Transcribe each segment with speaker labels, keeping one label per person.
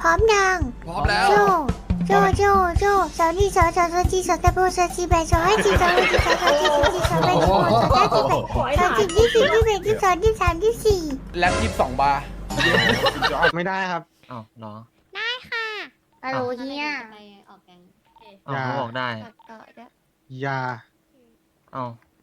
Speaker 1: ร้อมยัง
Speaker 2: พร้อมแล้ว
Speaker 1: โจโจสาวนี่สาวจีสาวตะโบสาวจีแบสาวให้จีสาวให้จีสาวจีสาวจีสาวแบสาวสาวจีแบสาวจีที่สี่ที่แบที่สองที่สามที่สี่
Speaker 2: แล็บ22 บาร์
Speaker 3: ไม่ได้ครับ
Speaker 4: อ้าวเหรอ
Speaker 1: ได้ค่ะฮัลโหลเฮีย
Speaker 5: ไปออกแกง
Speaker 4: อ้าวเขาบอกได้
Speaker 1: ต่อได้
Speaker 3: อย่า
Speaker 4: อ้าว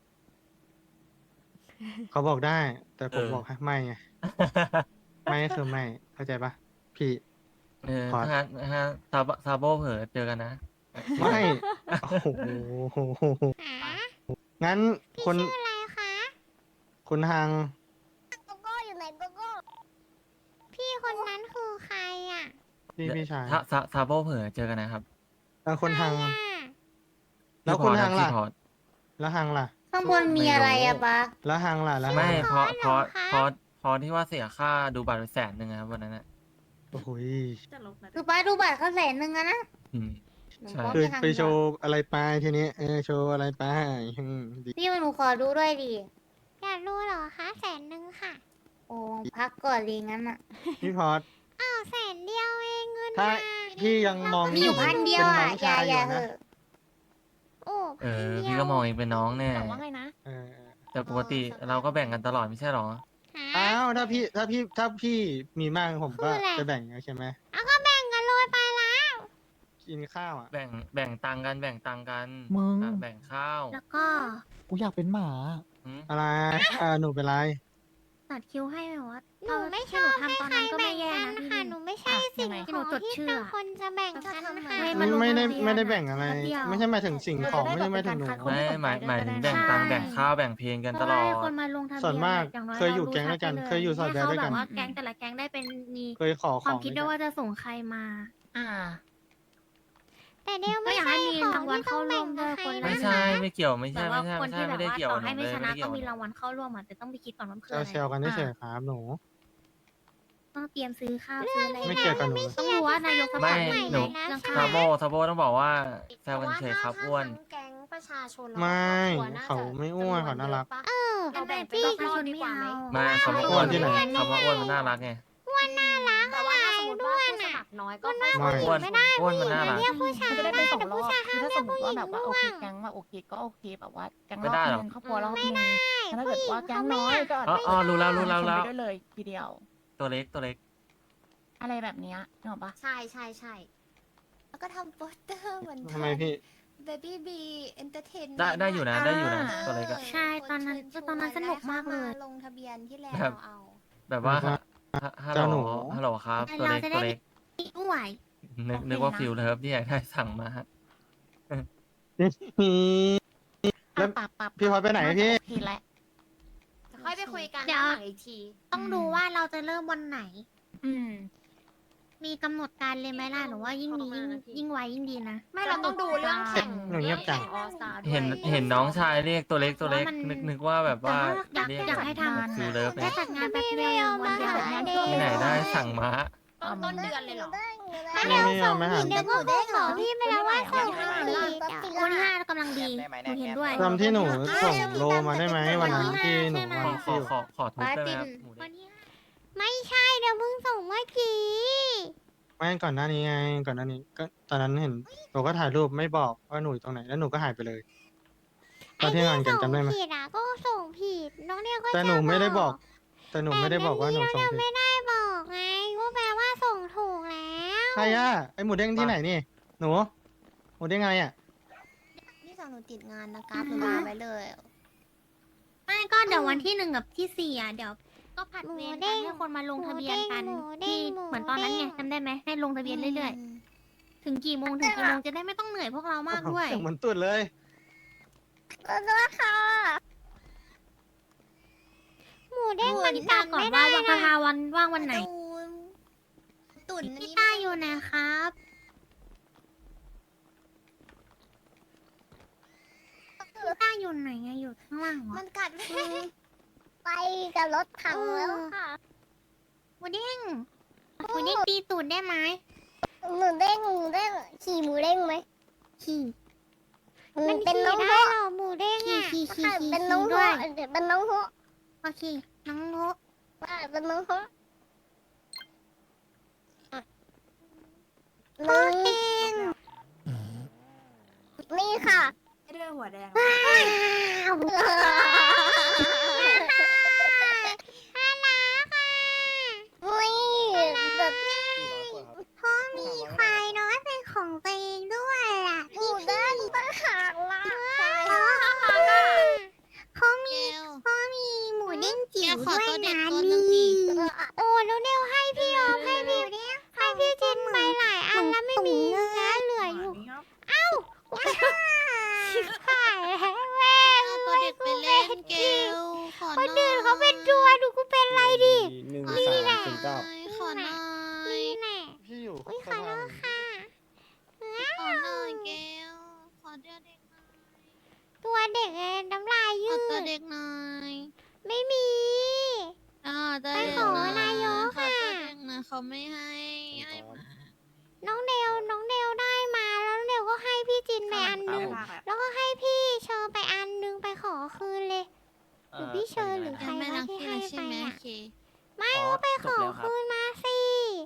Speaker 3: เขาบอกได้ แต่ผม
Speaker 4: เออ
Speaker 3: บอกให้ไม่ไง ไม่คือไม่ เข้าใจปะพี่
Speaker 4: เออ
Speaker 3: ขอ
Speaker 4: ถ้าซาโบเผลอเจอกันนะ
Speaker 3: ไม่ โอ้โห
Speaker 1: หา
Speaker 3: งั้น
Speaker 1: พี่
Speaker 3: คน
Speaker 1: ชื่ออะไรคะ
Speaker 3: คุณทาง
Speaker 1: โกโก้อยู่ไหนโกโก้พี่คนนั้นคือใครอ่ะ
Speaker 3: พี่ชาย
Speaker 4: ถ้าซาโบเผลอเจอกันนะครับ
Speaker 3: แล้วคนทาง
Speaker 1: ใครอะ
Speaker 3: แล้ว
Speaker 4: พี่
Speaker 3: คุณ
Speaker 4: พอร์ต
Speaker 3: ทางล่ะ
Speaker 4: พี่พอร์ต
Speaker 3: แล้วทางล่ะ
Speaker 1: ข้างบนมีอะไรอะปะ
Speaker 3: แล้วทางล่ะ แล้ว
Speaker 4: ไม่
Speaker 3: ทาง
Speaker 4: เพ
Speaker 3: ล่ะ
Speaker 4: ราะ
Speaker 1: เหรอคะ
Speaker 4: เพราะที่ว่าเสียค่าดูบัตรไป100,000นะครับวันนั้นน่ะ
Speaker 3: โอ้โห
Speaker 1: คือป้าดูบัตรเขา100,000อะนะ
Speaker 4: อืม ใช่
Speaker 3: คือไปโชว์อะไรไปทีนี้ โชว์อะไรไปดี
Speaker 1: พี่หนูขอดูด้วยดิอยากดูเหรอคะ100,000ค่ะ โอ้พักก่อนเลยงั้นอะ
Speaker 3: พี่พอด
Speaker 1: อ้าว100,000เองเงิน
Speaker 3: ถ้า
Speaker 1: มา
Speaker 3: พี่ยังมอง
Speaker 1: มีอยู่พันเดียวอะ
Speaker 3: ป็นน้งชาย
Speaker 1: อย่า
Speaker 3: อยู่
Speaker 1: เห
Speaker 3: นะ
Speaker 1: อะโอ้
Speaker 4: เอ
Speaker 1: พัน
Speaker 4: อ
Speaker 1: เดียว
Speaker 4: พี่ก็มองเองเป็นน้องแน่
Speaker 5: ถามว่าไงนะ
Speaker 3: เออ
Speaker 4: แต่ปกติเราก็แบ่งกันตลอดไม่ใช่หรอ
Speaker 1: หา
Speaker 3: อ้าวถ้าพี่มีมากผมก็
Speaker 1: คืออะไร
Speaker 3: จะแบ่งใช่ไหม
Speaker 1: เอาก็แบ่งกันเลยไปแล้ว
Speaker 3: กินข้าวอ่ะ
Speaker 4: แบ่งตังค์กัน
Speaker 6: มึง
Speaker 4: อ่ะแบ่งข้าว
Speaker 1: แล้วก็
Speaker 6: กูอยากเป็นหมา
Speaker 4: หืม
Speaker 3: อะไรหนูเป็นไร
Speaker 7: ตัดคิวให้แบบว่า
Speaker 1: หนูไม่ช
Speaker 7: ที่
Speaker 1: อบ
Speaker 7: หนู
Speaker 1: ให้
Speaker 7: ทำตอน
Speaker 1: ใคร
Speaker 7: นั้นก็
Speaker 1: แบ่
Speaker 7: ไม่
Speaker 1: ง
Speaker 7: แย่
Speaker 1: กัน
Speaker 7: นะพี่
Speaker 1: ค่ะหนูไม่ใช่สิ่ง
Speaker 7: ยังไง
Speaker 1: ของ
Speaker 7: ที่หนูจด
Speaker 1: ที่
Speaker 7: ชื่อ
Speaker 1: เป็นคนจะแบ่งกันค่ะ
Speaker 7: ให้
Speaker 3: ไม่
Speaker 7: นลง
Speaker 3: ไม่ได้
Speaker 7: ทะเบียน
Speaker 3: ไม่ได้แบ่งอะไร
Speaker 7: แป๊บเดียว
Speaker 3: ไม่ใช่หมายถึงสิ่งของไม่ใช่หมายถึงหนู
Speaker 4: ไม่หมายถึงแบ่งตังค์แบ่งข้าวแบ่งเพลงกันตลอด
Speaker 7: ให้คนมาลงทะเบียน
Speaker 3: ส่วนมาก
Speaker 7: อย่างน้อย
Speaker 3: เคยอยู่
Speaker 7: รา
Speaker 3: แก๊งด้วยกัน
Speaker 7: รู้
Speaker 3: เคยอยู่สอดแด
Speaker 7: ให้
Speaker 3: นด้วยกัน
Speaker 7: เขาแบบว่าแก๊งแต่ละแก๊งได้เป็นมี
Speaker 3: เคยขอข
Speaker 7: ควา
Speaker 3: อ
Speaker 7: ม
Speaker 3: ง
Speaker 7: คิด
Speaker 3: ด้
Speaker 7: ด้
Speaker 3: ว
Speaker 7: วย ย
Speaker 3: กัน
Speaker 7: ว่าจะส่งใครมา
Speaker 1: แต่เดียว
Speaker 7: ก็
Speaker 1: ไม่
Speaker 7: อยาก
Speaker 1: ใช่
Speaker 7: ให้มี
Speaker 1: ของ
Speaker 7: รางวัล
Speaker 1: ที่ต้องแบ่งกับใคร
Speaker 7: เข้าร่วมด้วยคนละ
Speaker 4: ไม่
Speaker 1: นะ
Speaker 4: ใช่ไม่เกี่ยวไม่
Speaker 7: แต่
Speaker 4: ใช่
Speaker 7: ว่า
Speaker 4: ไม่ใช่
Speaker 7: คนที่แบบ
Speaker 4: ไม่ได้
Speaker 7: ว่า
Speaker 4: เกี่ยว
Speaker 7: ต่อ
Speaker 4: กับห
Speaker 7: ให้
Speaker 4: นู
Speaker 7: ไม่
Speaker 4: เลย
Speaker 7: ช
Speaker 4: ไม่
Speaker 7: นะ
Speaker 4: ได้เกี่
Speaker 7: ก็
Speaker 4: ยวกับห
Speaker 7: มี
Speaker 4: นู
Speaker 7: ราง
Speaker 4: เล
Speaker 7: วั
Speaker 4: ย
Speaker 7: ลเข้าร่วมอ่ะแต่ต้องไปคิดก่อนว่ามันคืออะไร
Speaker 3: เซลกันเฉยๆครับหนู
Speaker 7: ต้องเตรียมซื้อข้าวซื้ออะไร
Speaker 3: ไม่เกี่ยวกับหนู
Speaker 7: ต้องรู้ว่านายกสภา
Speaker 4: ไม่หนู
Speaker 7: เรื่อง
Speaker 4: ซา
Speaker 7: ข้าว
Speaker 4: โบต้องบอกว่าแซวกันเฉยครับอ้วน
Speaker 5: แก๊งประชาชน
Speaker 3: ไม่
Speaker 5: ครอบครัวน่จะ
Speaker 3: เขาไม่อ้วนเขาน่ารัก
Speaker 1: เออ
Speaker 5: เราแบ่ง
Speaker 1: พี่
Speaker 5: เป็น
Speaker 7: ประ
Speaker 5: ร
Speaker 7: ชา
Speaker 5: อบ
Speaker 7: ชน
Speaker 5: ๆดี
Speaker 7: ไม่
Speaker 5: กว่าไหม
Speaker 7: เอา
Speaker 4: มาคำว่าอ้วนคำว่าอ้วนมันน่ารักไง
Speaker 1: น่ารัก
Speaker 5: แต่ว่าถ้าสมมติว่าผู้สมัครน้อยก็ค่อย
Speaker 3: ไม่
Speaker 4: อ้วนอ้วนมันน่ารัก
Speaker 1: เรียกผู้ชาย
Speaker 8: มันจะได้เป็นสองรอบ
Speaker 1: แต่
Speaker 8: คือ
Speaker 1: ผู้
Speaker 8: ถ้า
Speaker 1: ชา
Speaker 8: ส
Speaker 1: ย
Speaker 8: ม
Speaker 1: ห้าม
Speaker 8: ม
Speaker 1: เรีย
Speaker 8: ติ
Speaker 1: ก
Speaker 8: ว่า
Speaker 1: ผู้
Speaker 8: แบบ
Speaker 1: หญิ
Speaker 8: ว่าง โอเค
Speaker 1: ร่วง
Speaker 8: แก๊งว่าโอเคก็โอเคแบบว่าแก๊ง
Speaker 4: ไม่
Speaker 8: รอบ
Speaker 4: ได้หรอก
Speaker 8: นึงครอบครัวรอบนึงแต่ถ้าเกิดว่าแก๊งน้อยก็
Speaker 4: อ๋อรู้แล้ว
Speaker 8: ชนไปด้วยเลยทีเดียว
Speaker 4: ตัวเล็ก
Speaker 8: อะไรแบบเนี้ยนึกออกปะ
Speaker 5: ใช่ใช่ใช่
Speaker 9: แล้วก็ทำโปสเตอร์เหมือน
Speaker 3: ทำไมพี่
Speaker 9: Baby B Entertainment
Speaker 4: ได้อยู่นะได้อยู่นะตัวเล็กอะ
Speaker 7: ใช่ตอนนั้นสนุกมากเลย
Speaker 9: ลงทะเบียนที่แลน
Speaker 4: แบบ
Speaker 9: ด์เอา
Speaker 4: แบบว่า
Speaker 3: แบบว่า
Speaker 4: ฮัล
Speaker 3: เจ้า
Speaker 4: โห
Speaker 3: หนู
Speaker 4: ลฮัลโหลครับ ตัวเล็ก
Speaker 7: เราจะได้
Speaker 4: ตัวเล็ก
Speaker 7: ไม่ไหว
Speaker 4: นึกว่าฟิลเลิฟที่อยากได้สั่งมา
Speaker 3: แล้ว
Speaker 8: ปับ
Speaker 3: พี่พอดไปไหนพี่
Speaker 8: โอเคแหละ
Speaker 5: ค่อยไปคุยกัน
Speaker 7: เดี๋ยว
Speaker 5: หลังอีกที
Speaker 7: ต้องดูว่าเราจะเริ่มวันไหน
Speaker 8: อืม
Speaker 7: มีกำหนดการเลยไหมล่ะหรือว่ายิ่งดียิ่งไวยิ่งดีนะ
Speaker 5: ไม่เราต้องดูเรื่องแข่ง
Speaker 3: หนูเงียบจัง
Speaker 5: ออสตาด้วย
Speaker 4: เห็นน้องชายเรียกตัวเล็ก
Speaker 7: เพราะว่ามัน
Speaker 4: นึกว่าแบบว่า
Speaker 7: อยาก
Speaker 4: เรียก
Speaker 7: อยากให้ทำ
Speaker 4: ฟิลเลิฟ
Speaker 7: แค่จัดงานแป๊บเดียววันเดียว
Speaker 4: ที่ไหนได้สั่งมา
Speaker 5: ต้นเดือนเลยเหรอ
Speaker 1: ถ้าเดี๋ยวส่งผิดเดี๋ยวก็คงบอกพี่ไปแล้วว่าส่งผิด
Speaker 7: วันที่5กำลังดีหนูเห็นด้วย
Speaker 3: จำที่หนูส่งโลมาได้ไหมวันนั้นที่หนูมา
Speaker 4: ขอ
Speaker 3: ที่
Speaker 4: ทุบได้ไหมครับหมู
Speaker 7: วั
Speaker 4: เด้ง
Speaker 7: นที่
Speaker 1: ไม่ใช่เดี๋ยวเพิ่งส่งเมื่อกี้
Speaker 3: ไม่ก่อนหน้านี้ไง ก่อนหน้านี้ก็ตอนนั้นเห็นหนูก็ถ่ายรูปไม่บอกว่าหนูอยู่ตรงไหนแล้วหนูก็หายไปเลย ตอนที่งานกันจำได้ไหม
Speaker 1: ส่งผิดอ่ะก็ส่งผิดน้องเนี่ยก็
Speaker 3: แต่หนู
Speaker 1: จะ
Speaker 3: ไม่ได้บอก แต่หนูไม่ได้บอกว่าหนูส่งผิด
Speaker 1: ไม่ได้บอกไงก็แปลว่าส่งถูกแล้ว
Speaker 3: ใครอะไอหมูเด้งที่ไหนนี่ หนูหมูเด้งไงอะ
Speaker 9: นี่สาวหนูติดงานนะครับหนูลาไปเลย
Speaker 7: ไม่ก็เดี๋ยววันที่1กับที่4อ่ะเดี๋ยวก็ผัดเวรกันให้คนมาลงทะเบียนกันที่เหมือนตอนนั้นไงจำได้ไหมให้ลงทะเบียนเรื่อยๆ ถึงกี่โมงจะได้ไม่ต้องเหนื่อยพวกเรามากด้วย
Speaker 3: เสียงเหมือนตุ่นเลย
Speaker 1: หมูเด้ง
Speaker 7: วั
Speaker 1: มัน น
Speaker 7: นี้
Speaker 1: ตั
Speaker 7: ตา
Speaker 1: ด
Speaker 7: ก่อน
Speaker 1: ไม่
Speaker 7: ว่า
Speaker 1: ได้
Speaker 7: วันประ
Speaker 1: นะ
Speaker 7: ภาวันว่างวันไหน
Speaker 9: ตุ่น
Speaker 7: พี่
Speaker 9: นี่
Speaker 7: ต้าอยู่ไหนครับพี่ต้าอยู่ไหนอะอยู่ข้างล่างเหรอ
Speaker 9: มันกัดไปกับรถถังแล้วค่ะ
Speaker 7: หมูเด้งตีตูดได้ไหม
Speaker 9: หมูเด้งขี่หมูเด้งไหม
Speaker 7: ขี่
Speaker 1: มัน
Speaker 9: เป็น
Speaker 1: ขี่
Speaker 9: น้อง
Speaker 1: ได้
Speaker 9: โฮ
Speaker 1: เหรอหมูเด้งอ่ะ
Speaker 7: ขี่
Speaker 9: เป็นน้องโฮ
Speaker 7: ด้วย
Speaker 9: เป็นน้องโฮ
Speaker 7: โอเคน้องโน
Speaker 9: เป็นน้องโฮหนึ่งนี่ค่ะ
Speaker 5: ด้วยหัวแดง
Speaker 9: ว้าว อุ้ยแบบ
Speaker 1: พ่อมีควายน้อยเป็นของตัวเองด้วยล่ะ
Speaker 9: หนูได้ตั้งหากละ
Speaker 1: เขามีหมูเด้งจิ๋วด้วยนะนี่โอ้แล้วเดวให้พี่ออมให้พี่เจนไปหลายอันแล้วไม่มีเนื้อเหลืออยู่ขายแม่ตัวเด็กไปเล่นเกลคนอื่นเขาเป็นตัวดูกูเป็นไรดิ
Speaker 2: 1 3 0 9
Speaker 1: ขอหน่อยนี่แน่
Speaker 3: พี่อยู่
Speaker 1: อุ้ยขอโทษค่ะ
Speaker 7: ขอหน่อยเกลขอเด็กหน่อย
Speaker 1: ตัวเด็กน้ำลายยื
Speaker 7: ขอ
Speaker 1: ด
Speaker 7: ตัวเด็กหน่อย
Speaker 1: ไม่มี
Speaker 7: ตัว
Speaker 1: ไป
Speaker 7: เด็ก
Speaker 1: ขอ
Speaker 7: หน่อย
Speaker 1: นายก
Speaker 7: ขอ
Speaker 1: ค่ะ
Speaker 7: ตัวเด็กหน่อยเขาไม่ให้มา
Speaker 1: น้องเดวได้มาแล้วน้องเดวก็ให้พี่จินไปอันหนึงแล้วก็ให้พี่เชอไปอันหนึงไปขอคืนเลย หรือพี่เชอร์หรือ
Speaker 7: ยังไม่รักพี่เลยใช่ไหม
Speaker 1: ใครวะที่ให้ไปอะ
Speaker 7: โอเค
Speaker 1: ไม่ก็ไปขอคืนมาสิ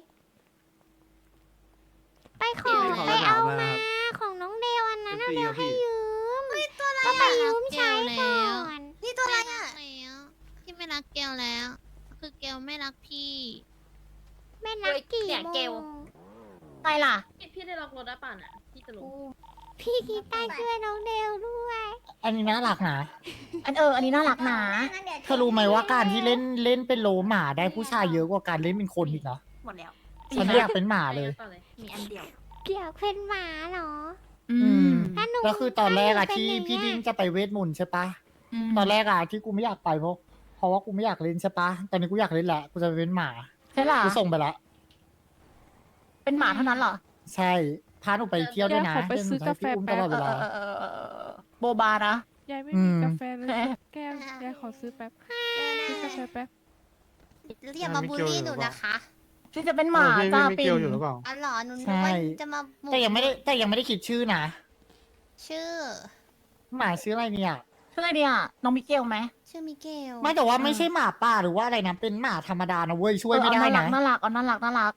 Speaker 1: ไปขอไปเอามาของน้องเดวอันนั้นน้องเดวให้ยืมก็ไปยืมใช้ก่อน
Speaker 7: นี่ตัวอะไรอ่ะพี่ไม่รักเกลแล้ว คือเกลไม่รักพี่
Speaker 1: แม่นักกี่โมง
Speaker 8: ใครล่ะ
Speaker 5: พี่ได้ล็อกรถได้ป่ะน่ะพี่จะรู้
Speaker 1: พี่กีตาร์ช่วยน้องเดวด้วย
Speaker 2: อันนี้น่ารักนะ
Speaker 8: อันนี้น่ารักนะ
Speaker 2: เธอรู้ไหมว่าการที่เล่นเป็นโลหมาได้ผู้ชายเยอะกว่าการเล่นเป็นคนอีกนะ
Speaker 5: หมดแล้ว
Speaker 2: ฉันอยากเป็นหมาเลย
Speaker 5: มีอันเดียว
Speaker 1: เกี่ยวเป็นหมาเหรอ
Speaker 8: อืม
Speaker 1: ถ้าหนู
Speaker 2: ก็คือตอนแรกอะ
Speaker 1: ถ้าหนู
Speaker 2: ที่
Speaker 1: เป็นอย่าง
Speaker 2: พี่
Speaker 1: เงี้ย
Speaker 2: ดิ้งจะไปเวทมนต์ใช่ปะตอนแรกอะที่กูไม่อยากไปเพราะว่ากูไม่อยากเล่นใช่ปะตอนนี้กูอยากเล่นแหละกูจะไปเป็นหมา
Speaker 8: ใช่ล่ะ
Speaker 2: กูส่งไปละ
Speaker 8: เป็นหมาเท่านั้นเหรอ
Speaker 2: ใช่พาหนูไปเที่ยวด้วยนะ
Speaker 6: เดี๋ยวขอไปซื้อกาแฟ
Speaker 2: เดี๋ยวหนูจะให้พี่อุ้มตลอดเวลา
Speaker 8: โบบานะ
Speaker 6: ยายไม่
Speaker 2: อื
Speaker 6: มี
Speaker 2: ม
Speaker 6: กาแฟเลยสักแก้วยายขอซื้อแป๊บซื้อกาแฟแป๊บ
Speaker 5: เรียกมาบูลลี่หนูนะคะ
Speaker 8: ที่จะเป็นหมา
Speaker 3: พี่
Speaker 8: จ้า
Speaker 3: ไม่
Speaker 8: ปิ
Speaker 3: เกี่
Speaker 8: น
Speaker 3: ยวอยู่หรือเปล่า
Speaker 5: อ๋อเหรอหนูนึ
Speaker 2: ใช่
Speaker 5: กว่าจะมา
Speaker 2: แต่ยังไม่ได้คิดชื่อนะ
Speaker 5: ชื่อ
Speaker 2: หมาชื่ออะไรเนี่ย
Speaker 8: ชื่ออะไรเนี่ยน้องมิเกลไหม
Speaker 5: ชื่อมิเกล
Speaker 2: ไม่แต่ว่าไม่ใช่หมาป่าหรือว่าอะไรนะเป็นหมาธรรมดานะเว้ยช่วยไม่ได้
Speaker 8: น่ารั
Speaker 2: นะ
Speaker 8: กน่ารักน่ารัก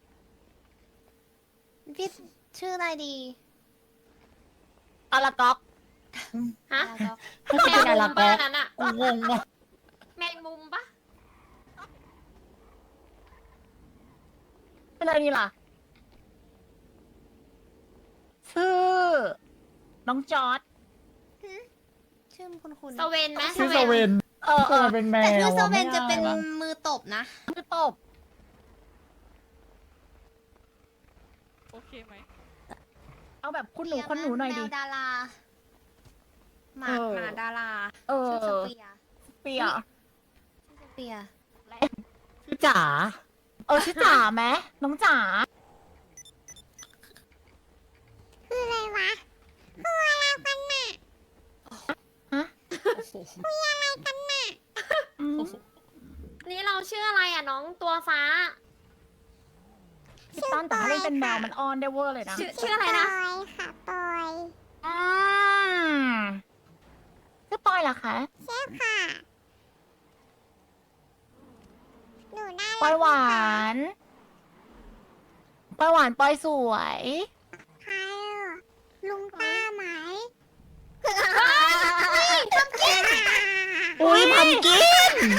Speaker 5: พี่ชื่ออะไรดี
Speaker 8: อาราก๊อก
Speaker 5: ฮะ
Speaker 2: ไม่ใช่เป็นอะไร
Speaker 5: แม
Speaker 2: ก็
Speaker 5: งมุมปะนั่นอะ
Speaker 2: กูงงว่ะ
Speaker 5: แมงมุมปะ
Speaker 8: เป็นอะไรนี่ล่ะชื่อน้องจอร์ด
Speaker 5: ชื่อคุณสเวนไหม
Speaker 2: ชื่อโซเวน
Speaker 8: เออ
Speaker 2: โซเวนเป็นแมว
Speaker 5: แต่ชื่อส
Speaker 2: อะ
Speaker 5: เวนจะเป็น
Speaker 2: ไม่ได้
Speaker 5: มือตบนะ
Speaker 8: คือตบ
Speaker 6: โอเคไหม
Speaker 8: เอาแบบคุณหนูคนหนูหน่อยดิ
Speaker 5: แมวดาราหมา
Speaker 8: เออ
Speaker 5: หมาดารา
Speaker 8: เออ
Speaker 5: ชื่อสเปียร์
Speaker 8: เปีย
Speaker 5: ชื่อสเปียร์
Speaker 2: ชื่อจ๋า
Speaker 8: ชื่อจ๋าไหมน้องจ๋า
Speaker 1: คืออะไรวะคืออะไรกันน่ะ
Speaker 8: ฮะ
Speaker 1: คืออะไรกันน่ะ
Speaker 8: อืม
Speaker 5: นี่เราชื่ออะไรอ่ะน้องตัวฟ้า
Speaker 8: พี่ตั้นแต่ถ้าเล่นเป็นแมวมันออนได้เวอร์เลยนะ
Speaker 5: ชื่ออะไรนะ
Speaker 1: ปอยค่ะปอย
Speaker 8: อืมชื่อปอยเหรอคะ
Speaker 1: ใช่ค่ะหนูน่ารัก
Speaker 8: ปอยหวานปอยหวานปอยสวย
Speaker 1: ใครอ่ะลุงต้าไหม
Speaker 2: อุ้ยพัมกิน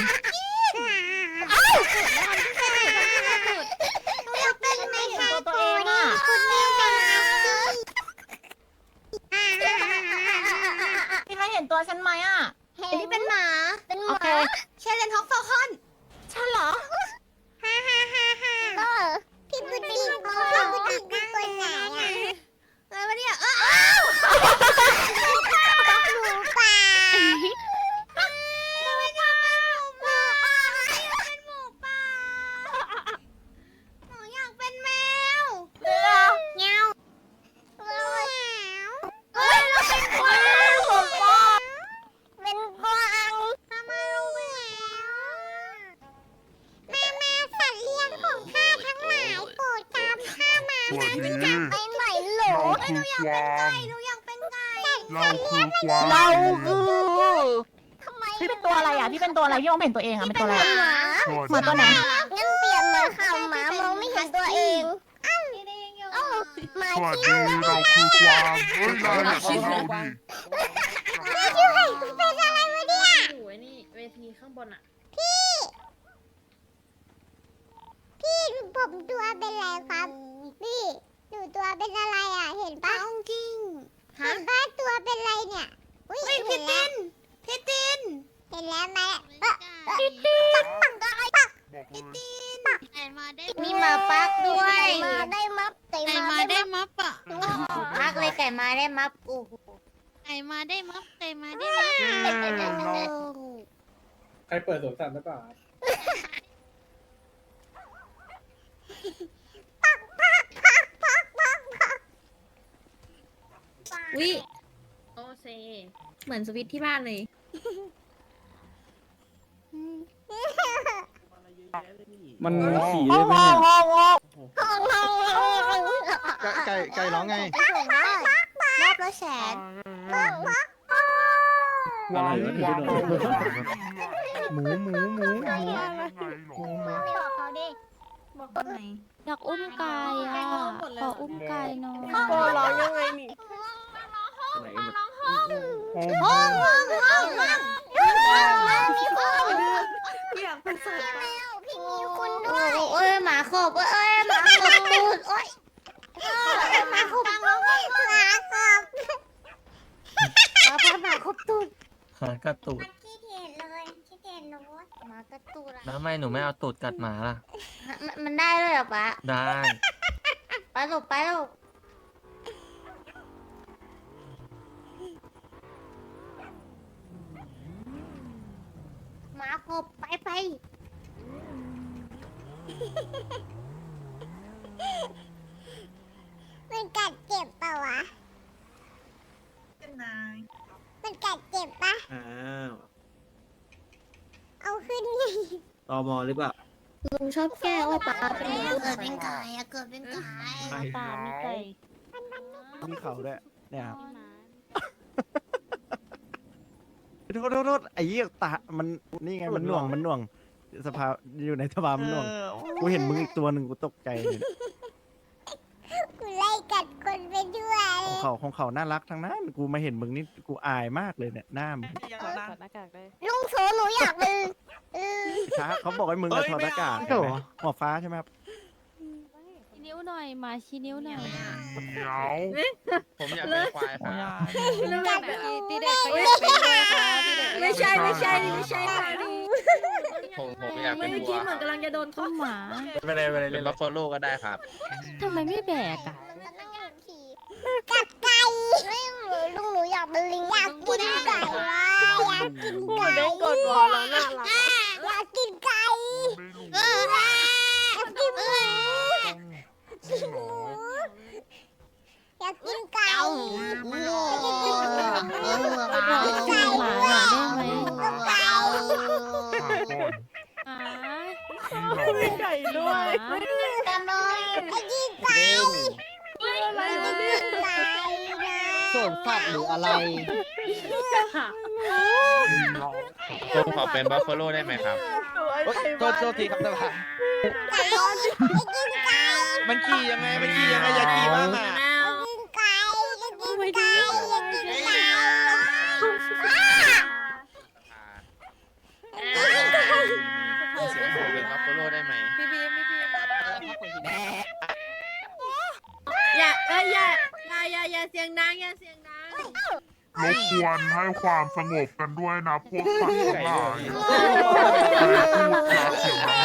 Speaker 1: หนูอยากเป็นไหมคะ
Speaker 8: ตัวเองอะ
Speaker 1: คุณแม่เป็นอาชี
Speaker 8: พี่ไม่เห็นตัวฉันไหมอ่ะ
Speaker 5: อันนี้เป็นหมา
Speaker 9: เป็นห
Speaker 8: โอ
Speaker 9: มา
Speaker 8: เค
Speaker 5: เชเลนท็อกฟอลคอน
Speaker 8: ฉันเหรอ
Speaker 1: พี่พุดดิ้งพี่พุดดิ้งนั่งคนไหนอ่ะ
Speaker 5: อะไรวะเนี่ย
Speaker 1: ห
Speaker 5: เออ
Speaker 1: มูป่า
Speaker 5: หนูอยากเป็นแมว
Speaker 1: เงา
Speaker 5: เฮ้ยเราเป็นกวาง
Speaker 9: เป็นกวาง
Speaker 1: ทำไมรู้แล้วมาสัตว์เลี้ยงของข้าทั้งหลายโปรดตามข้ามานะ
Speaker 9: ไปไหนเหรอ
Speaker 5: หนูอยากเป็นไก่หนูอยากเป็นไก่
Speaker 2: เราคือกวาง
Speaker 8: เราคือ
Speaker 9: ทำไม
Speaker 8: พี่เป็นตัวอะไรอ่ะพี่เป็นตัวอะไรพี่มองไม่เห็นตัวเองอ่ะเป็นตัวอะไร
Speaker 9: ห
Speaker 8: อะ
Speaker 9: มา
Speaker 8: หมาตัวไหน
Speaker 9: งั้นเปลี่ยนมาค่ะหมามองไม่เห็นตัวเอง
Speaker 5: พี่เด้งอยู่
Speaker 8: พ
Speaker 9: มา
Speaker 10: สวัส
Speaker 9: ที่
Speaker 10: ดีเราคือกวางเฮ้ยเราเนี่ยต้องเราดิ
Speaker 1: เป็นอะไรวะเนี่ย
Speaker 5: อยู่ไอ้นี่เวทีข้างบนอ่ะ
Speaker 1: พี่ผมตัวเป็นอะไรครับพี่หนูตัวเป็นอะไรอ่ะเห็นปะจริงเห็นปะตัวเป็นอะไรเนี่ยอุ้ยพี่ตินเห็นแล้วไหมพี่ตินปัก
Speaker 10: บอกเลย
Speaker 7: ไก่มาได้
Speaker 1: มีหมาปักด้วย
Speaker 9: มาได้มัฟไก่
Speaker 7: ไก่มา
Speaker 9: มา
Speaker 7: ได้
Speaker 9: ได้
Speaker 7: มัฟอ่ะ
Speaker 1: ปักเลยไก่มาได้มับโอ้โห
Speaker 7: ไก่มาได้มัฟไก่มาได้มัฟ
Speaker 3: ใครเปิดสวนสัตว์หรือเปล่า
Speaker 5: วิโอเซเหมือนสวิตช์ที่บ้านเลย
Speaker 11: มันขี่ได้ไหมเนี่ย
Speaker 3: ไก่ร้องไง
Speaker 1: ไปส่งได้รอบละแสน
Speaker 11: อะไรวะถึงจะโดนหมูหมูหมู
Speaker 10: ยังไงหรอ
Speaker 9: บอกเขาดิ
Speaker 5: บอกตรงไหน
Speaker 6: อยากอุ้มไก่อ่ะขออุ้มไก่หน่อย
Speaker 5: โอ้ร้องยังไงนี่
Speaker 11: ไหนมัน
Speaker 5: อยากเป็นสัตว์
Speaker 1: พี่มีคุณด้วยโอ้ยหมาขบเอ้ยหมาขบตูดโอ้ยหมาขบหมาขบหมาขบตูด
Speaker 4: หากระตูด
Speaker 1: ขี้เกียจเลยขี้เกียจหนูหมากระตูดอะ
Speaker 4: แล้วทำไมหนูไม่เอาตูดกัดหมาล่ะ
Speaker 1: มันได้ด้วยเหรอปะ
Speaker 4: ได้
Speaker 1: ไปลูกไปลูกหมาขบไปมันกัดเจ็บเปล่าวะมันกัดเจ็บปะ
Speaker 11: อ้าว
Speaker 1: เอาขึ้นไง
Speaker 11: ตมหรือเปล่า
Speaker 5: ลุงชอบแก้ว่าป้าเป็น
Speaker 1: เกิดเป็นไก่อะเกิดเป็นไก่
Speaker 6: ตามีไก่
Speaker 11: มีเขาด้วยเนี่ยครับโทษไอ้เหี้ยตามันนี่ไงมันหน่วงสภาอยู่ในสภามันหน่วงกูเห็นมึงอีกตัวหนึ่งกูตกใจเลย
Speaker 1: กูไล่กัดคนไปด้วย
Speaker 11: ของเขาน่ารักทั้งนั้นกูมาเห็นมึงนี่กูอายมากเลยเนี่ยหน้ามึง
Speaker 6: ถอดหน้ากากได้
Speaker 1: ลุงโซหนูอยากเป็น
Speaker 11: ช้าเขาบอกให้มึงมาถอดหน้ากาก
Speaker 3: ไม่เอา
Speaker 11: หัวฟ้าใช่ไหมครับ
Speaker 6: ชี้นิ้วหน่อยมาชี้นิ้วหน่อย
Speaker 10: เหนียว
Speaker 4: ผมอยากเป็นควายครับ
Speaker 6: ตีเด็กก็อยากเป็นด้วยค่ะตีเด็ก
Speaker 5: ไม่ใช่ค่ะ
Speaker 4: ผมอยากเป็น
Speaker 5: เมื่อ
Speaker 4: วั
Speaker 5: กี้
Speaker 4: ว
Speaker 5: เหมือนกำลังจะโดน
Speaker 6: ก็
Speaker 5: เขา
Speaker 6: หมา
Speaker 4: ไปเลยเล่นบัฟฟาโลก็ได้ครับ
Speaker 6: ทำไมไม่แบกอ่ะ
Speaker 1: กัดไก่ลุงหนูอยากเป็นลิงอยากกินไก่วะอยากกินไก่
Speaker 6: กดวอลแล้วน่ารัก
Speaker 1: อยากกินไก่อยากกินหมูอยากกินไก่
Speaker 6: ไปดูหมาหน่อยได้ไหม
Speaker 1: ไก่
Speaker 6: หมา
Speaker 10: ไก่หรอ
Speaker 1: กันเลยไอ้กินไก่ไก่
Speaker 2: สวนสัตว์หรืออะไร
Speaker 4: ผมขอเป็นบัฟฟาโลได้ไหมครับ
Speaker 11: โทษทีครับสภา
Speaker 1: ไก่กินไก่
Speaker 11: มันขี่ยังไงอยากขี่บ้างอ่ะ
Speaker 1: กินไก่กินไก่กินไก่
Speaker 4: ผมเป็นบัฟฟาโลได้ไหม
Speaker 6: พี่บีมพี่บีม
Speaker 5: อย่าเสียงดังอย่าเสียงดัง
Speaker 10: รบกวนให้ความสงบกันด้วยนะพวกสัตว์ทั้งหลายเสียงดัง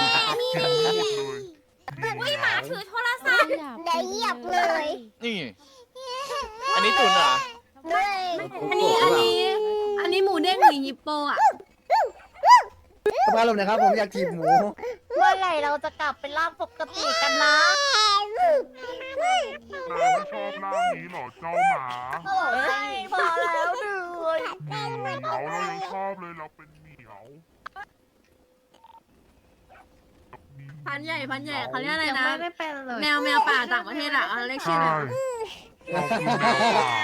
Speaker 10: เลย
Speaker 7: หมาถือโทรศัพท์
Speaker 1: เดี๋ยวเหยียบเลย
Speaker 4: นี่ อันนี้ตุนเหรอ
Speaker 1: ด้วย
Speaker 5: อันนี้หมูเด้งหรือฮิปโปอ่ะ
Speaker 2: สภาพลมนะครับผมอยากจีบหมู
Speaker 1: เมื่อไหร่เราจะกลับเป็นร่างปกติกันนะ
Speaker 10: นายไม่ชอบร่างนี้เหรอเจ้าหมา
Speaker 1: พอแล้วเหนื่อย
Speaker 10: เหมียวเรายังชอบเลยเราเป็นเหมียว
Speaker 5: พันใหญ่เขาเรียกอะไร
Speaker 7: ยัง
Speaker 5: นะ
Speaker 7: ไม่ได้เป็นเลย
Speaker 5: แมวป่าต่างประเทศอ่ะเรียกชื่อ
Speaker 10: ใช่
Speaker 5: อะไร
Speaker 10: เราคือแมวป่า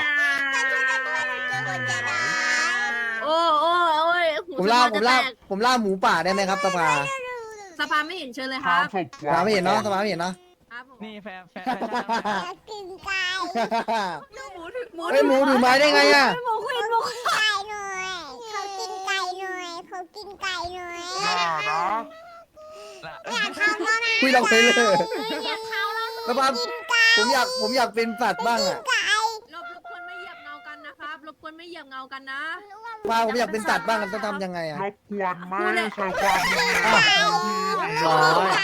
Speaker 5: โอ้ยหู
Speaker 2: ผม
Speaker 5: ส
Speaker 2: ล่า
Speaker 5: ภาจะแตก
Speaker 2: หมูป่าได้ไหมครับสภา
Speaker 5: สภาไม่เห็นเชิญเลยค
Speaker 10: ข้า
Speaker 5: รั
Speaker 10: ม
Speaker 5: บ
Speaker 10: ศพ
Speaker 2: สภาไม่เห็นเนาะสภาไม่เห็นเนาะ
Speaker 6: นี่แฟร์
Speaker 1: อยากกินไก่
Speaker 11: เฮ้ยหมูถือไม้ได้ไงอ่ะ
Speaker 1: ไก่หน่อยเขากินไก่หน่อยเขากินไก่หน่อย
Speaker 10: อย่านะ
Speaker 1: อยากเข้าก็นะ
Speaker 11: คุยเราไปเลย
Speaker 7: อยากเข้าแล้ว
Speaker 11: แล้วปั๊มผมอยากเป็นสัตว์บ้างอ่ะ
Speaker 1: ไก่
Speaker 5: รบกวนไม่เหยียบเงากันนะครับรบกวนไม่เหยียบเงากันนะ
Speaker 11: ว่าผมอยากเป็นสัตว์บ้างต้องทำยังไงอ่ะ
Speaker 10: รบกวนไม่ใช้ความรุนแรง
Speaker 11: ร้อย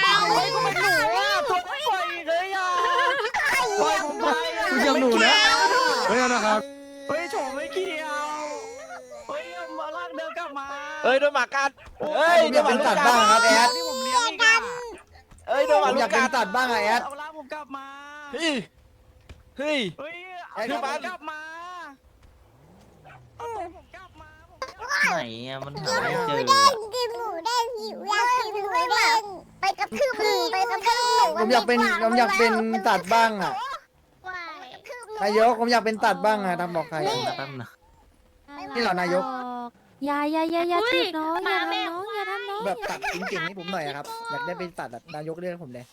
Speaker 11: คุณยังหนูนะเฮ้ยนะครับ
Speaker 6: เฮ้ยโฉมไม่เกี่ยวเฮ้ยมาลากเดินกลับมา
Speaker 11: เฮ้ยโดนหมากัดเฮ้ยผมอยากเป็นสัตว์บ้างครับแอด
Speaker 6: ที่ผมเลี้ยงอีกอ่ะ
Speaker 11: เฮ้ยโดนหมาอยากเป็นสัตว์บ้างอะแอด
Speaker 6: เอาลากผมกลับมา
Speaker 11: เฮ้ย
Speaker 6: เฮ้ย
Speaker 11: ไอ้
Speaker 6: เอา
Speaker 11: ที่
Speaker 6: ผม
Speaker 11: บ้าน
Speaker 6: กลับมาเอาผมกลับมา
Speaker 4: ไหนอะมันหาไม่เจอ
Speaker 1: กินหมูเด้งหิวอยากกินหมูเด้ง
Speaker 9: ไปกระทืบหมูไปกระทืบหมู
Speaker 11: ผมอยากเป็นสัตว์บ้างอ่ะนายกผมอยากเป็นสัตว์บ้างอ่ะทำบอกใครอะ
Speaker 4: แป๊บนะ
Speaker 11: นี่เหรอนายก
Speaker 6: อย่าถีบน้องอย่าทำน้องอย่าทำน้อง
Speaker 11: แบบสัตว์เก่งๆให้ผมหน่อยอะครับอยากได้เป็นสัตว์แบบนายกเรียกผมเลย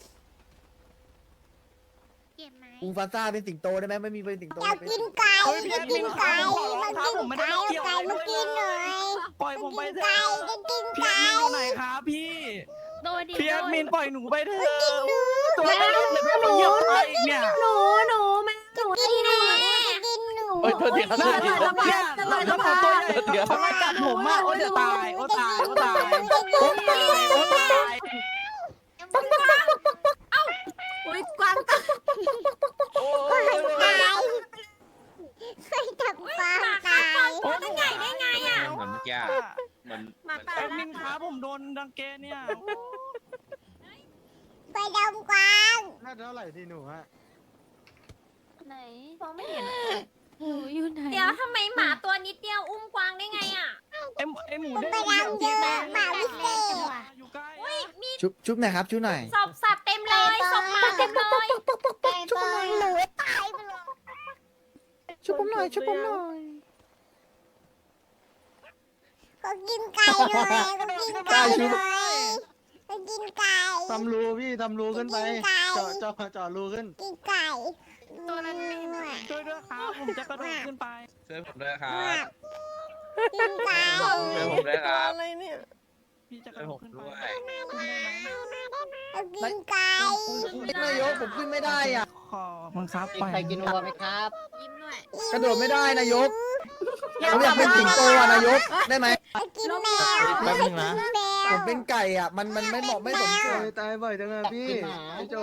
Speaker 7: เก็บไหม
Speaker 11: อูฟาซ่าเป็นสิงโตได้ไหมไม่มีเป็นสิงโต
Speaker 1: อยากกินไก่อยากกินไก่มากินไก่เอาไก่มากินหน่อย
Speaker 6: ปล่อยผมไปเถ
Speaker 1: ไก่
Speaker 6: อะ
Speaker 1: จะกิน
Speaker 6: พี่
Speaker 1: ไก่
Speaker 6: แอดมินอยู่ไหนครับพี่
Speaker 7: โดยดี
Speaker 6: พี่แอดมินปล่อยหนูไปเถอะตัวไม่ได้เลยพี่มันเหยียบไปอีกเนี่ย
Speaker 7: หนูแม่หนู
Speaker 1: กินหนูกินหนู
Speaker 11: โอ้ยโทษทีครับ
Speaker 6: น่าจะทำเนี่ยแล้วพอตัวใหญ่เขาไม่กัดผมอ่ะโอ้จะตายโอ้ตายโอ้ตายโอ้ตายโอ้ตาย
Speaker 5: อุ้ยกวางตา
Speaker 6: โอ้
Speaker 1: ตายเคยจับปลาตาย
Speaker 7: ได้ไงอ่ะ
Speaker 12: เหมือนเมื่อกี้เหมือน
Speaker 6: แอดมินครับผมโดนดังเกเนี่ย
Speaker 1: ไปดมกวาง
Speaker 3: น่าเท่าไหร่ดีหนูฮะ
Speaker 7: ไหนมองไม่เห็น
Speaker 6: หนูอยู่ไหน
Speaker 7: เดี๋ยวทำไมหมาตัวนิดเดียวอุ้มกวางได้ไงอ่ะ
Speaker 6: ไอหมู
Speaker 1: ผม
Speaker 6: เด้ง
Speaker 1: ไปดำเจอหมาวิเศษ
Speaker 6: อยู่ใกล้
Speaker 11: ชุบหน่อยครับชุบหน่อย
Speaker 7: ศพสัตว์เต็มเลยศพหมาเต็มเลย
Speaker 1: ไก่ตัวหนูตายไปเลย
Speaker 11: ชุบผมหน่อยชุบผมหน่อย
Speaker 1: เขากินไก่หน่อยเขากินไก่หน่อยเขากินไก่
Speaker 3: ทำรูพี่ทำรูขึ้นไป
Speaker 1: กินไก่
Speaker 3: เจาะรูขึ้น
Speaker 1: กินไก่
Speaker 7: ตัวนั้นไม่
Speaker 6: ช่วยด้วยครับผมจะกระโดดขึ้นไป
Speaker 12: ช่วยผมด้วยครับ
Speaker 1: กินไก่
Speaker 12: ช่วยผมด้วยครับ
Speaker 6: พี่จะก
Speaker 12: ช่
Speaker 6: ระ
Speaker 12: วย
Speaker 6: โด
Speaker 12: ผ
Speaker 6: ด
Speaker 12: ม
Speaker 6: ขึ้น
Speaker 12: ด้
Speaker 6: ไป
Speaker 12: วย
Speaker 1: เขากินไก่
Speaker 11: นายกผมขึ้นไม่ได้อ่ะ
Speaker 6: ขอบังคับไป
Speaker 2: ใครกินวัวไหมครับ
Speaker 5: ยิ้มด้วย
Speaker 11: กระโดดไม่ได้นายกผมอยากเป็นสิงโตอ่ะนายกได้ไหม
Speaker 1: เขากินแมว
Speaker 4: แป๊บนึงนะ
Speaker 1: แม
Speaker 11: ผ
Speaker 1: ว
Speaker 11: มเป็นไก่อ่ะมันไม่เหมาะไม่สมส่วน
Speaker 3: ตายบ่อยจังเลยพี่ไอ้โจ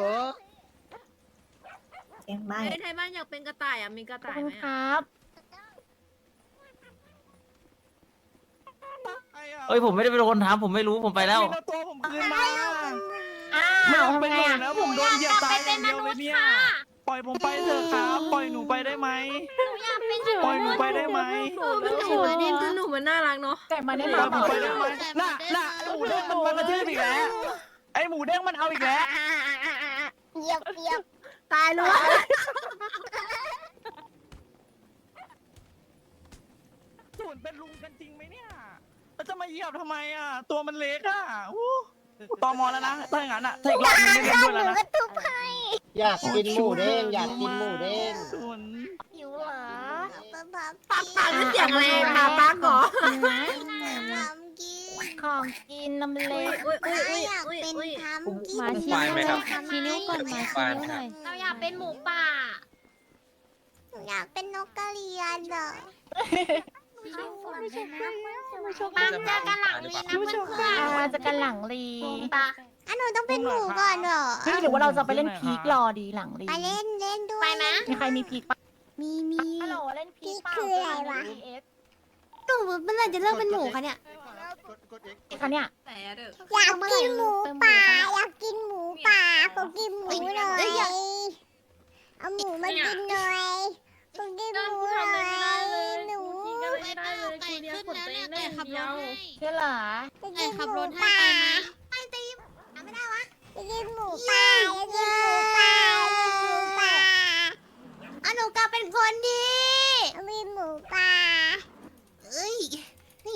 Speaker 5: ไทยบ้านอยากเป็นกระต่ายอ่ะมีกระต่ายไหม
Speaker 6: ครับ
Speaker 4: เอ้ยผมไม่ได้เป็นคนทำผมไม่รู้ผมไปแล้ว
Speaker 6: ตัวผมคืนมา
Speaker 7: อ้า
Speaker 6: ไม่
Speaker 7: ว
Speaker 6: เอา
Speaker 7: ทำ
Speaker 6: ไป
Speaker 7: ไง
Speaker 6: หมด
Speaker 7: อ่ะ
Speaker 6: แล้วผมโดนเหยียบตายอ
Speaker 7: เป็
Speaker 6: ย่าน ง
Speaker 7: ม
Speaker 6: เดียว
Speaker 7: นุ
Speaker 6: เล
Speaker 7: ษ
Speaker 6: ย
Speaker 7: ย์
Speaker 6: เนี่ย
Speaker 7: ค่ะ
Speaker 6: ปล่อยผมไปเถอะครับ ปล่อยหนูไปได้ไหม
Speaker 7: อยากเป็น
Speaker 6: ปล่อยหนูไปได้ไหม
Speaker 5: มันหนูมันนี่คือหนูมันน่ารักเนาะ
Speaker 6: ปล่อยผมไปได้ไหมน่ะไอหมูเด้งมันกระทืบอีกแล้ว ไอหมูเด้งมันเอาอีกแล้ว
Speaker 1: เหยียบเหยียบ
Speaker 5: ตายเลย
Speaker 6: ส่วนเป็นลุงกันจริงไหมเนี่ยแล้วจะมาเหยียบทำไมอ่ะ ตัวมันเล็กอ่ะอู้ตอมอแล้วนะถ้าอย่างนั้นอ่ะถ้าอีกรอบนึงไม่เล่นด้วยแล้วนะ
Speaker 2: อยากกินหมูเด้งอยากกินหมูเด้ง
Speaker 6: ส่วน
Speaker 1: หิวเหรอ
Speaker 5: ปักเสียงอะไรมาปักเหรอ
Speaker 6: ของกินน้ำเล็ก
Speaker 5: อุ้ยอุ้ยอุ้ย
Speaker 1: อยาก
Speaker 5: อุ้ย
Speaker 1: เป็น
Speaker 5: อุ้ย
Speaker 1: ทำกิน
Speaker 6: มาชี้
Speaker 12: ควายไหมครับ
Speaker 6: ชี้นิ้วก่อนมาชี้นิ้วหน่อย
Speaker 7: เราอยากเป็นหมูป่า
Speaker 1: หนูอยากเป็นนกกระเรียนเหรอ
Speaker 7: ปังเจอกันหลังลีนะเพื่อนๆ
Speaker 6: มาจะกันหลังลี
Speaker 7: ปะ
Speaker 1: อ่ะหนูต้องเป็นหมูก่อนเหรอ
Speaker 6: หรือว่าเราจะไปเล่นพีครอดีหลังลี
Speaker 1: ไปเล่นเล่นด้วย
Speaker 7: ไปไหม
Speaker 6: มีใครมีพีคปะ
Speaker 1: มี
Speaker 6: ฮัลโหลเล่นพีค
Speaker 1: คืออะไรวะ
Speaker 5: หนูเมื่อไหร่จะเลิกเป็นหมูคะเนี่ย
Speaker 3: กด X
Speaker 6: คะเนี่ย
Speaker 5: แต่เด้อ
Speaker 1: อยากกินหมูป่าอยากกินหมูป่าเขากินหมูหน่อยเอาหมูมากินหน่อยเขากินหมูหน่อยหนู
Speaker 5: ไม่ได้เลยทีเดียวขนตัวเองได้อย่างเดียว
Speaker 6: ใช่เหรอ
Speaker 1: จะกินหมูป่าไปตีไม่ได้วะจะกินหมูป่าจะกินหมูป่าหมูป่าเอาหนูกลับเป็นคนดีมีหมูป่าเอ้ยนี่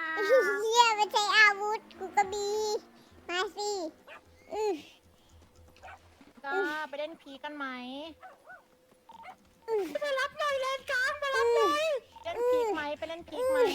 Speaker 1: เยี่ยไม่ใช่อาวุธกูก็มีมาสิ
Speaker 5: ไปเล่นพีกันไหม
Speaker 1: ไปรับหน่อยแลนกลางมารับหน่อย
Speaker 5: เล่นพีกไหมไปเล่นพีกไหม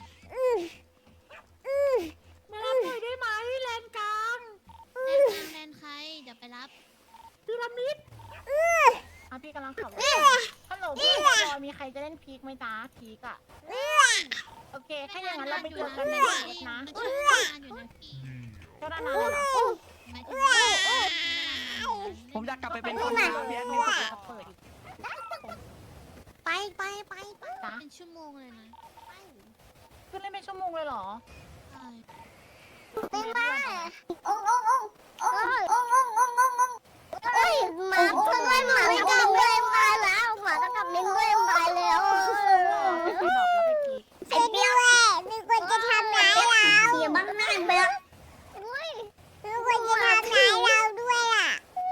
Speaker 1: มารับหน่อยได้ไหมแลนกลาง
Speaker 7: แลนใครเดี๋ยวไปรับ
Speaker 1: พีระมิด
Speaker 5: พี่กำลังขับรถฮัลโหลพี่รอมีใครจะเล่นพีกไหมจ๊ะพีกอะโอเคถ้าอย่างนั้นเราไปเจอกันในรถนะ
Speaker 7: อยู่นะพี่
Speaker 5: เจ้าหน้าที่เหรอ
Speaker 6: ผมอยากกลับไปเป็นคนเดียวพี่แอดมินสุดครับ
Speaker 5: เปิดอีก
Speaker 1: ไป
Speaker 5: จ๊ะ
Speaker 7: เป็นชั่วโมงเลยนะ
Speaker 5: ขึ้นเล่นเป็นชั่วโมงเลยเหรอ
Speaker 7: ใช่
Speaker 9: เป็นบ้าโอ้ยหมาเพื่อนด้วยหมาตะกับด้วยมาแล้วหมาตะกับลิงด้วยมาแล้ว
Speaker 5: ไปดอกแล้วไปพีก
Speaker 1: ไอ้เดียวมีคนจะทำร้ายเรา
Speaker 9: เสียบ้างหน้าไปแล้ว
Speaker 1: มีคนจะทำร้ายเราด้วยล่ะ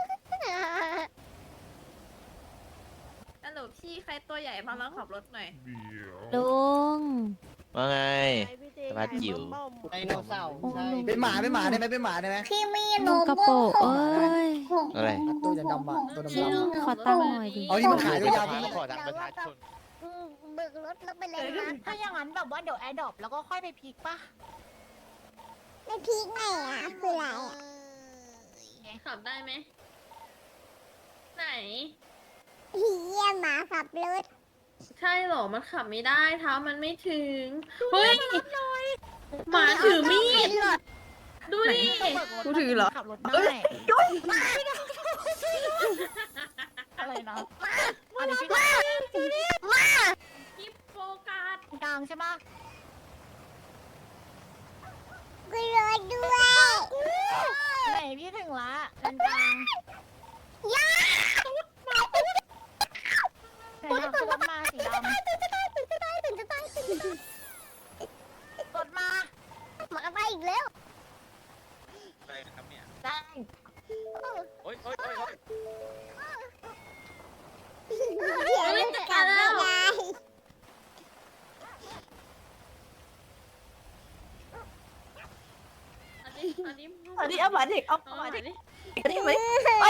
Speaker 5: ฮัลโหลพี่ใครตัวใหญ่มาแล้วขับรถหน่อย
Speaker 10: เดี๋ยว
Speaker 1: ลุง
Speaker 4: ว่าไง สวัสดีจิ๋ว
Speaker 2: ไดโนเสาร์ใช่เป็นหมาได้ไหมเป็นหมาได้ไหม
Speaker 9: พี่มีโน
Speaker 1: กระ
Speaker 9: โบ
Speaker 1: โปะเอ้ย
Speaker 4: อะไร
Speaker 2: ตัวดำๆอ่ะตัวดำๆ
Speaker 1: ขอตั้งหน่อยดิ
Speaker 2: เอานี่มันขายยาวๆที่
Speaker 4: ขอดักประชาชน
Speaker 9: เบิกรถแล้วไปเลยนะ
Speaker 5: ถ้าอย่างนั้นแบบว่าเดี๋ยวแอร์ดรอปแล้วก็ค่อยไปพีกป่ะ
Speaker 1: ไม่พีกไหนอ่ะคืออะไรอ่ะ
Speaker 5: ขับได้ไหมไหน
Speaker 1: เฮียหมาขับรถ
Speaker 5: ใช่หรอมันขับไม่ได้เท้ามันไม่ถึงเฮ้ยหมาถือมีดดูดิกูถือเหรอขับรถได้อะไรนะอะไรพี่กิ๊บโฟกัสกลางใช่ปะ
Speaker 1: กูรถด้วย
Speaker 5: ไหนพี่ถึงละด้านกลางไหนนะรถมาสีดำรถมา
Speaker 9: หมาไปอีกแล้ว
Speaker 12: อะไรนะครับเนี่ย
Speaker 5: ได้
Speaker 12: โอ๊ย
Speaker 1: เดี๋ยวมันกลับไม่ได้
Speaker 5: อันนี้
Speaker 6: เอาหมาเด็กเอาหมาเด็กนี่ไหม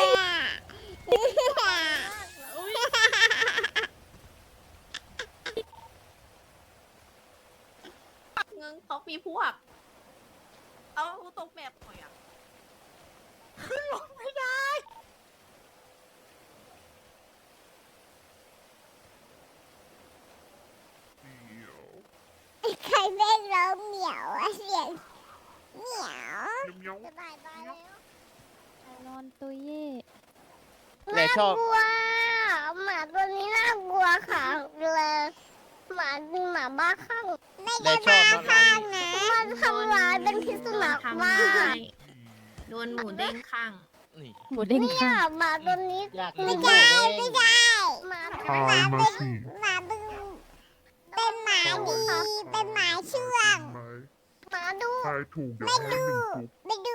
Speaker 5: เงินเขามีพวก เอาตกแบบหน่อยอ่ะ
Speaker 1: ใครไม่ร้องเหมียวอะเสียงเหมียว
Speaker 10: เดี๋ยว
Speaker 9: จะบายบายแล้ว
Speaker 1: นอนตุย
Speaker 4: แต่ชอบ
Speaker 9: กลัวหมาตัวนี้น่ากลัวค่ะเลยหมาบ้าคลั่ง
Speaker 1: ไม่ได้บ้าข้างนะ
Speaker 9: มันทำร้ายเป็นพิษสุนัขมาก
Speaker 5: โดนหมูเด้งข้าง
Speaker 4: นี่
Speaker 1: หมูเด้ง
Speaker 9: เนี่ยหมาตัวนี้
Speaker 2: อยาก
Speaker 1: ไม่ได้ไม่ได้
Speaker 9: หมา
Speaker 10: ทายมาสิ
Speaker 1: หมาบึงเป็นหมาดีเป็นหมาเชื่อง
Speaker 10: ไหม
Speaker 9: หมาดู
Speaker 10: ทายถูกเดี๋ยวให้หนึ่งจุ๊บ
Speaker 1: ไปดู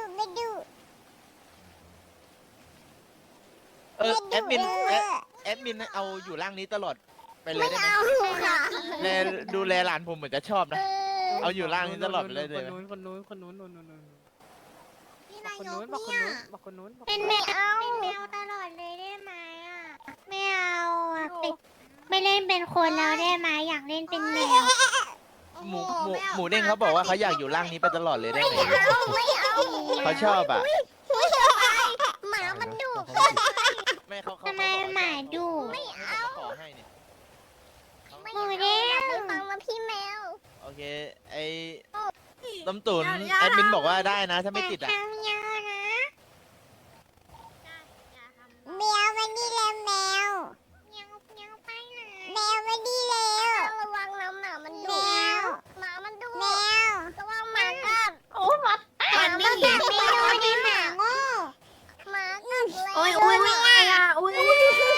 Speaker 4: แอดมินเอาอยู่ร่างนี้ตลอดไปเลย
Speaker 9: ไม่
Speaker 4: ได้ไหม
Speaker 9: เอาค่ะ
Speaker 4: ดูแลหลานผมเหมือนจะชอบนะ เอาอยู่ร่างนี้ตลอดไปเลยได้ไหม
Speaker 1: พี่นายกเนี่ยเป็นแมวตลอดเลยได้ไหมอ่ะไม่เอาอ่ะไม่เล่นเป็นคนแล้วได้ไหมอยากเล่นเป็นแมว
Speaker 4: หมูเด้งเขาบอกว่าเขาอยากอยู่ร่างนี้ไปตลอดเลยได้ไหม
Speaker 9: ไม่เอา
Speaker 4: เขาชอบอ่ะ
Speaker 9: หมามันดุ
Speaker 4: ไม่เขา
Speaker 1: ทำไมหมาดุ
Speaker 4: ไม่เอาขอให้เนี่ย
Speaker 9: ไม่เอาไปฟังมาพี่แมว
Speaker 4: โอเค ไอ้ต้มตุ๋นแอดมินบอกว่าได้นะ ถ้าไม่ติดอ่ะ
Speaker 1: ทำเยอะนะแมวมานี่แล้วแมวไปไหนแมวมานี่แล้ว
Speaker 9: ระวังน้ำหนามัน
Speaker 1: แม
Speaker 9: ดุ
Speaker 1: ว
Speaker 9: หมามันดุ
Speaker 1: แมว
Speaker 9: ระวังหมากัด
Speaker 5: โอ้มัด
Speaker 1: มันไม่กัดไม่ดูดิหมาโง่
Speaker 9: หมากัดแล้ว
Speaker 5: โอ้ยไม่ได้อ่ะอุ้ย
Speaker 9: ห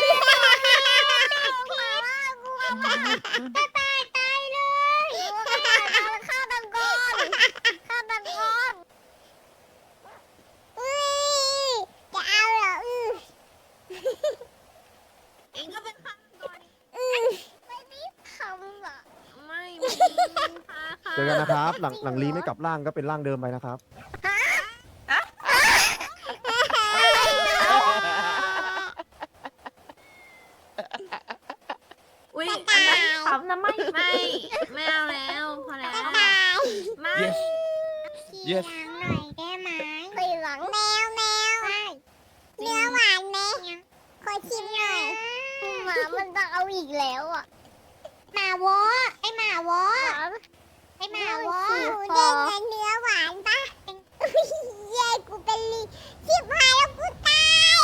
Speaker 9: มาว่ากลัวมาก
Speaker 1: ตายเลย
Speaker 9: ฆ่าตะกอนฆ่าตะกอน
Speaker 1: อุ้ยจะเอาเหรอ
Speaker 5: เองก็เป็นข้างก่อน
Speaker 9: ไม่มีทำอ่ะ
Speaker 5: ไม่มีค่ะ
Speaker 11: เจอกันนะครับ หลังลีไม่กลับร่างก็เป็นร่างเดิมไปนะครับ
Speaker 1: เ
Speaker 5: ไม่ไม่เอาแล้วพอแล้ว
Speaker 1: บ๊ายบาย
Speaker 5: ไม่
Speaker 4: yes
Speaker 1: ขี่
Speaker 4: yes
Speaker 1: หลังหน่อยได้ไหมขี่หลังแมวเนื้อหวานไหมขอชิมหน่อย
Speaker 9: หมามันจะเอาอีกแล้วอ่ะ
Speaker 1: หมาวอไอหมาวอไอหมาวอเด้งเงินเนื้อหวานปะเย้กูเป็นลีชิบหายแล้วกูตาย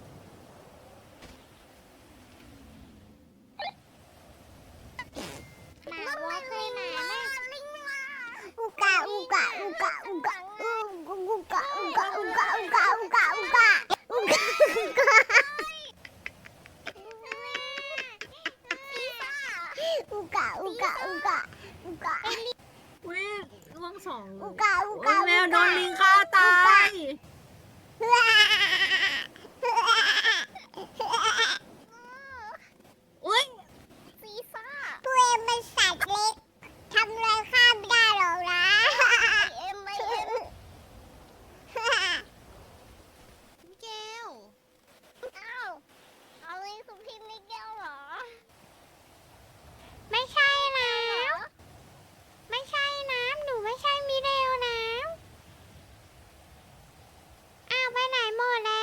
Speaker 1: หมาวอเคยมาไหมอุกะอุกะอุกะอุกะอุกะอุกะอุกะอุกะอุกะอุกะอุกะอุกะอุกะอุกะอุกะอุกะอุกะ
Speaker 5: อุ้ยล่วงสอง
Speaker 1: อุกะอุ
Speaker 5: โอ้
Speaker 1: กะ
Speaker 5: ยแมวโดนลิงฆ่าตาย อุ้ย
Speaker 9: ฟีฟ่า
Speaker 1: ตัวเองเป็นสัตว์เล็กทำอะไรข้าไม่ได้หรอกนะ
Speaker 9: เอ็มไม่
Speaker 1: เกล
Speaker 9: อ้าวเอาเลยสุพิมพ์ไม่แก้วเหรอ
Speaker 1: ไม่ใช่นะไม่ใช่นะหนูไม่ใช่มิเรลนะอ้าวไปไหนหมดแล้